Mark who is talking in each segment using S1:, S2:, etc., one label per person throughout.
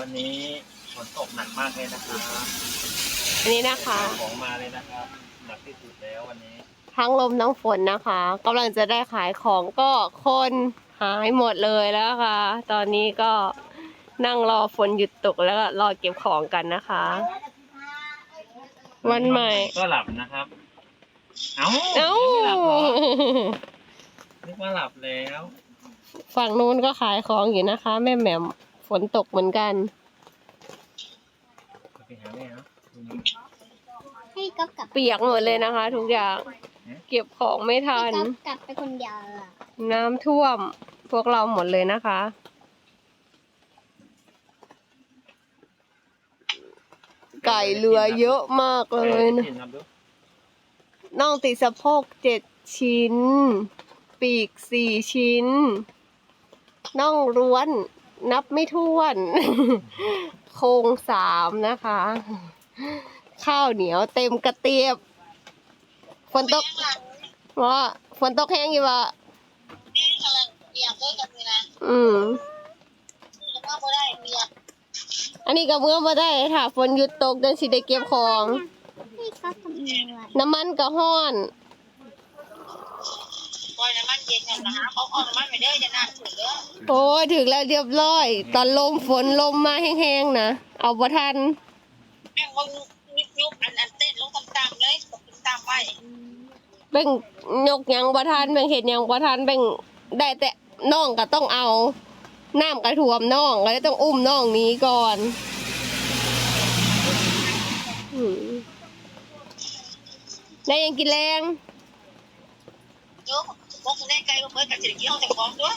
S1: วันนี้ฝนตกหนักมากเลยนะครับ
S2: อันนี้นะคะ
S1: ของมาเลยนะครับหนักที่สุดแล้ววันนี้
S2: ทั้งลมทั้งฝนนะคะกำลังจะได้ขายของก็คนหายหมดเลยแล้วค่ะ ตอนนี้ก็นั่งรอฝนหยุดตกแล้วก็รอเก็บของกันนะคะ วันใหม่
S1: ก็หลับนะครับ เอ้า
S2: เอ้า
S1: ไม่หลับเหรอนึกว่าหลับแล้ว
S2: ฝั่งนู้นก็ขายของอยู่นะคะ แม่แหม่มฝนตกเหมือนกัน
S1: ไปหาแม่เนาะ
S3: ให้ก๊อฟกลับ
S2: เปียกหมดเลยนะคะ ทุกอย่างเก็บของไม่ทัน
S3: ให้ก๊อฟกลับไปคนเดียวอะ
S2: น้ำท่วมพวกเราหมดเลยนะคะ ไก่เรือเยอะมากเลยนะน่องติดสะโพก7 ชิ้น ปีก4 ชิ้นน่องร้วนนับไม่ถ้วน โครง3นะคะ ข้าวเหนียวเต็มกระเตียบฝนตกว่าฝนตกแห้งอยู่วะอันนี้ก็เมื่อมาได้ค่ะฝนหยุดตกจังสิได้เก็บของ
S3: ให้ก๊อฟทำเองว่ะ
S2: น้ำมันก็ห้อน
S4: ปล่อยน้ำมันเย็นเนี่ยนะฮะเขาเอาน้ำมันไปเด้อจะน่าถือเด้อ
S2: โอ้ยถึงแล้วเรียบร้อย ตอนลมฝนลมมาแห้งๆนะเอาบ่ทัน
S4: แม่งว่ายุบอันเต้นลงต่ำๆเลยตกต่ำๆไป
S2: แบ่งยกหยังบ่ทันแบ่งเห็ดหยังบ่ทันแบ่งได้แต่น้องก็ต้องเอาน้ำกระท่วมน้องก็เลยต้องอุ้มน้องหนี้ก่อนอืมได้ยังกินแรง
S4: เยอะพวกคุณได้ไกลก็เพิ่นกับเศรษฐกิจเขาแต่ของด้วย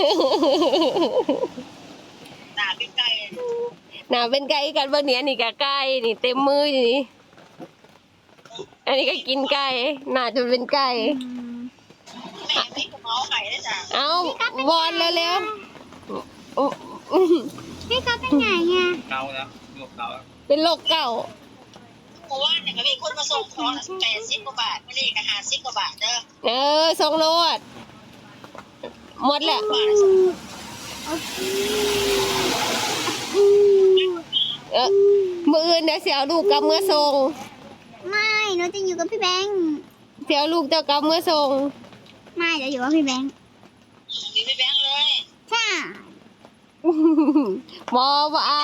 S4: หนาเป็นไก่
S2: หนาเป็นไก่กันเบอร์เนี้ยนี่ก็ไก่นี่เต็มมืออยู่นี่อันนี้ก็กินไก่หนาจะเป็นไก่
S4: แม่ไม่กระเมาไข่ได้จ้ะ
S2: เอาวอนเร็วๆอุ๊
S3: ให้ก๊อฟเป็นไงอ่ะ
S1: เกาแล้วโยกเกาแล้ว
S2: เป็นโรคเก่า
S4: เพราะว่าเนี่ยก็มีคนมาส่งของ80 กว่าบาทไม่ได้ก็50 กว่าบาทเด้อ
S2: ส่งโลดหมดแหละมืออื่นเดี๋ยวเสียลูกกับเมื่อส่ง
S3: ไม่หนูจะอยู่กับพี่แบงค์
S2: เสียลูกเจ้ากับเมื่อส่ง
S3: ไม่จะอยู่กับพี่แบงค์
S4: มีไปแบงค์เลย
S3: ใช่
S2: บอบ่เอา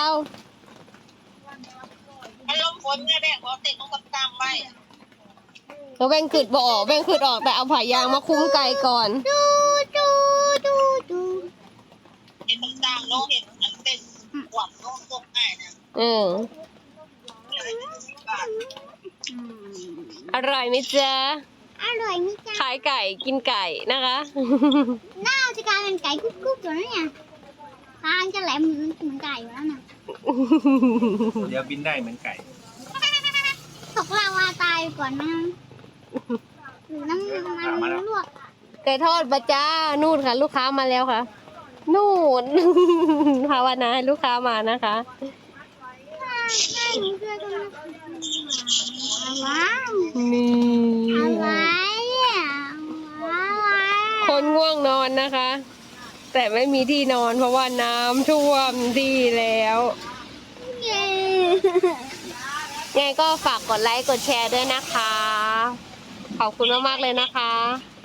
S4: มันลมฝนเนี่ยแม่ขอเต้นลงต่ำๆไป
S2: แล้วแบ่งขืดบ่ออกแบ่งขืดออกแต่เอาผ่ายางมาคุ้มไก่ก่อน
S3: ดูดูดูดู
S4: เห็นต่ำๆลงเห็นอันเต้นหวับลงตกง่ายนะ
S2: อืม
S4: บาท
S3: อืม
S2: อร่อยไหมจ๊ะ
S3: อร่อยมิจ้า
S2: ขายไก่กินไก่นะคะ
S3: น่าจะกลายเป็นไก่กุ๊กกุ๊กอยู่แล้วเนี่ยทางจะแหลมเหมือนไก่อยู่แล้วนะ
S1: เดี๋ยวบินได้เหมือนไก่
S3: ตกลาวาตายก่อนมั้งหรือน้ำมันลวก
S2: ไก่ทอดบะจ้านู่นค่ะ ลูกค้ามาแล้วค่ะ นู่น ภาวนาให้ลูกค้ามานะคะ
S3: ให้หนูช่วยกันนะว้าว
S2: นี่
S3: อะไรอ่ะอะไร
S2: คนง่วงนอนนะคะ แต่ไม่มีที่นอนเพราะว่าน้ำท่วมที่แล้ว
S3: เย้
S2: ยังไงก็ฝากกดไลค์กดแชร์ด้วยนะคะ ขอบคุณมากๆเลยนะคะ